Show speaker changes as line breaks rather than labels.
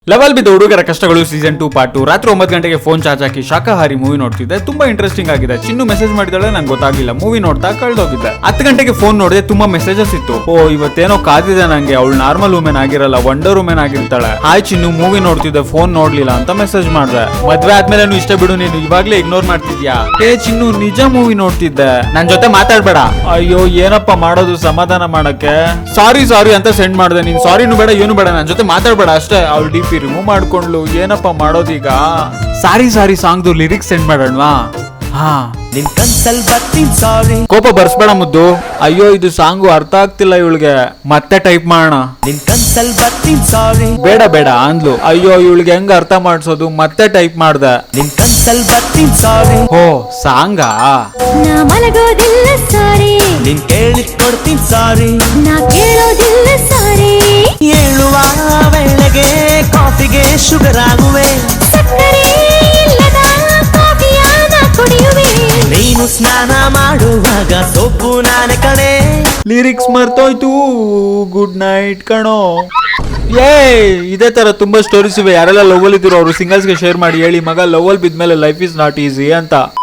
Level ಬಿದ್ದ ಹುಡುಗರ ಕಷ್ಟಗಳು ಸೀಸನ್ 2 ಪಾರ್ಟ್ 2 ರಾತ್ರಿ 9 ಗಂಟೆಗೆ ಫೋನ್ ಚಾರ್ಜ್ ಹಾಕಿ ಶಾಕಾಹಾರಿ ಮೂವಿ ನೋಡ್ತಿದ್ದೆ. ತುಂಬಾ ಇಂಟ್ರೆಸ್ಟಿಂಗ್ ಆಗಿದೆ. ಚಿನ್ನು ಮೆಸೇಜ್ ಮಾಡಿದಾಳೆ, ನಂಗೆ ಗೊತ್ತಾಗಿಲ್ಲ. ಮೂವಿ ನೋಡ್ತಾ ಕಳ್ದೋಗಿದ್ದೆ. 10 ಗಂಟೆಗೆ ಫೋನ್ ನೋಡಿದೆ, ತುಂಬಾ ಮೆಸೇಜಸ್ ಇತ್ತು. ಓ ಇವತ್ತೇನೋ ಕಾದಿದೆ ನಂಗೆ, ಅವಳು ನಾರ್ಮಲ್ ವುಮೆನ್ ಆಗಿರಲ್ಲ, ವಂಡರ್ ವುಮೆನ್ ಆಗಿರ್ತಾಳೆ. ಹಾಯ್ ಚಿನ್ನು, ಮೂವಿ ನೋಡ್ತಿದ್ದೆ, ಫೋನ್ ನೋಡ್ಲಿಲ್ಲ ಅಂತ ಮೆಸೇಜ್ ಮಾಡ್ದೆ. ಮದ್ವೆ ಆದ್ಮೇಲೆ ಇಷ್ಟ ಬಿಡು, ನೀನು ಇವಾಗ್ಲೇ ಇಗ್ನೋರ್ ಮಾಡ್ತಿದ್ಯಾ? ಏ ಚಿನ್ನು, ನಿಜ ಮೂವಿ ನೋಡ್ತಿದ್ದೆ, ನನ್ ಜೊತೆ ಮಾತಾಡ್ಬೇಡ. ಅಯ್ಯೋ ಏನಪ್ಪ ಮಾಡೋದು ಸಮಾಧಾನ ಮಾಡಕ್ಕೆ? ಸಾರಿ ಅಂತ ಸೆಂಡ್ ಮಾಡ್ದೆ. ನೀನ್ ಸಾರಿನೂ ಬೇಡ ಏನು ಬೇಡ, ನನ್ ಜೊತೆ ಮಾತಾಡ್ಬೇಡ ಅಷ್ಟೇ. ಅವ್ಳು ಡಿ ಪಿ ರಿಮೂವ್ ಮಾಡ್ಕೊಂಡ್ಲು. ಏನಪ್ಪ ಮಾಡೋದೀಗ? ಸಾರಿ ಸಾಂಗ್ದು ಲಿರಿಕ್ಸ್ ಸೆಂಡ್ ಮಾಡೋಣವಾ? ಹಾ,
ನಿನ್ ಕನ್ಸಲ್ ಬರ್ತೀನಿ ಸಾರಿ.
ಕೋಪ ಬರ್ಸ್ಬೇಡ ಮುದ್ದು. ಅಯ್ಯೋ ಇದು ಸಾಂಗು ಅರ್ಥ ಆಗ್ತಿಲ್ಲ ಇವಳಿಗೆ, ಮತ್ತೆ ಟೈಪ್ ಮಾಡೋಣ.
ನಿನ್ ಕನ್ಸಲ್ ಬರ್ತೀನಿ ಸಾರಿ.
ಬೇಡ ಅಂದ್ಲು. ಅಯ್ಯೋ ಇವಳಿಗೆ ಹೆಂಗ್ ಅರ್ಥ ಮಾಡ್ಸೋದು? ಮತ್ತೆ ಟೈಪ್ ಮಾಡ್ದೆ.
ನಿನ್ ಕನ್ಸಲ್ ಬರ್ತೀನಿ ಸಾರಿ.
ಓ ಸಾಂಗಾ?
ನಾ ಮಲಗೋದಿಲ್ಲ ಸಾರಿ,
ನಿನ್ ಕೇಳಿದ್ ಕೊಡ್ತೀನಿ ಸಾರಿ.
ನಾ ಕೇಳೋದಿಲ್ಲ ಸಾರಿ.
ಹೇಳುವ ವೇಳೆಗೆ ಕಾಫಿಗೆ ಶುಗರ್ ಆಗುವೆ,
ಸಕ್ಕರೆ ಇಲ್ಲದ ಕಾಫಿಯ ನಾ ಕುಡಿಯುವೆ.
ನೀನು ಸ್ನಾನ ಮಾಡುವಾಗ ಸೊಪ್ಪು ನಾನೇ ಕಣೆ.
ಲಿರಿಕ್ಸ್ ಮರ್ತೋಯ್ತು. ಗುಡ್ ನೈಟ್ ಕಣೋ. ಇದೇ ತರ ತುಂಬಾ ಸ್ಟೋರೀಸ್ ಇವೆ. ಯಾರೆಲ್ಲ ಲವ್ ಅಲ್ಲಿ ಇದ್ರು ಅವರು ಸಿಂಗಲ್ಸ್ ಗೆ ಶೇರ್ ಮಾಡಿ ಹೇಳಿ, ಮಗ ಲವ್ ಅಲ್ಲಿ ಬಿದ್ಮೇಲೆ ಲೈಫ್ ಇಸ್ ನಾಟ್ ಈಸಿ ಅಂತ.